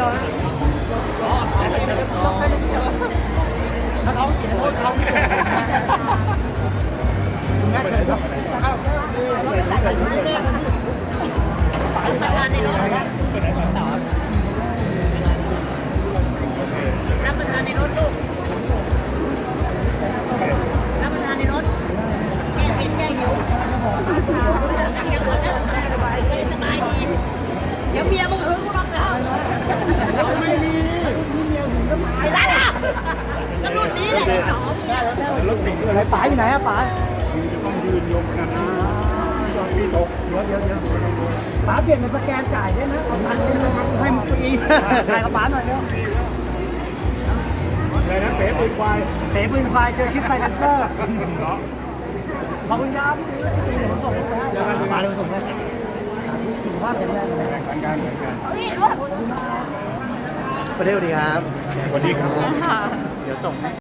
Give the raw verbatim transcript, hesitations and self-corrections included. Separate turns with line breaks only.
ถ้าท้องเสียโทษเขาไม่เกิดคุณแม่เชิญครับ
ประธานในรถรับประทานในรถลูกรับประทานในรถแก้เผ็ดแก้หิวไม่ต้องเสียงหมดแล้วสบายดีสบายดีเดี๋ยวเมียมึงหึงกูหรอกนะไม่มีไอ้ร้านอ่ะก็รุ่นนี้แหละหนอมเนี่ย
รถติดอะไรป๋าอยู่ไหนอะป๋า
จะต้องยืนยงกันนะมีตกเดี๋ยวเดี๋ยวเดี๋ยว
ป๋าเปลี่ยนเป็นสแกนจ่ายได้นะเอาตังค์ให้มันฟรีถ่ายกับป๋าหน่อยเร็ว
อะไรนะเป๋ปืนควาย
เต๋ปืนควายเจอคิดไซเลนเซอร์
เหรอ
ขอบคุณครับพี่ตีพี่ตีเดี๋ยวผมส่งไปให้ป๋าเดี๋ยวผมส่งให้สุขภาพแข็งแรงเลย
แข่งกันแข่งกัน
ประเทศสวัสดีครับ
สวัสดีครับ
เดี๋ยวส่ง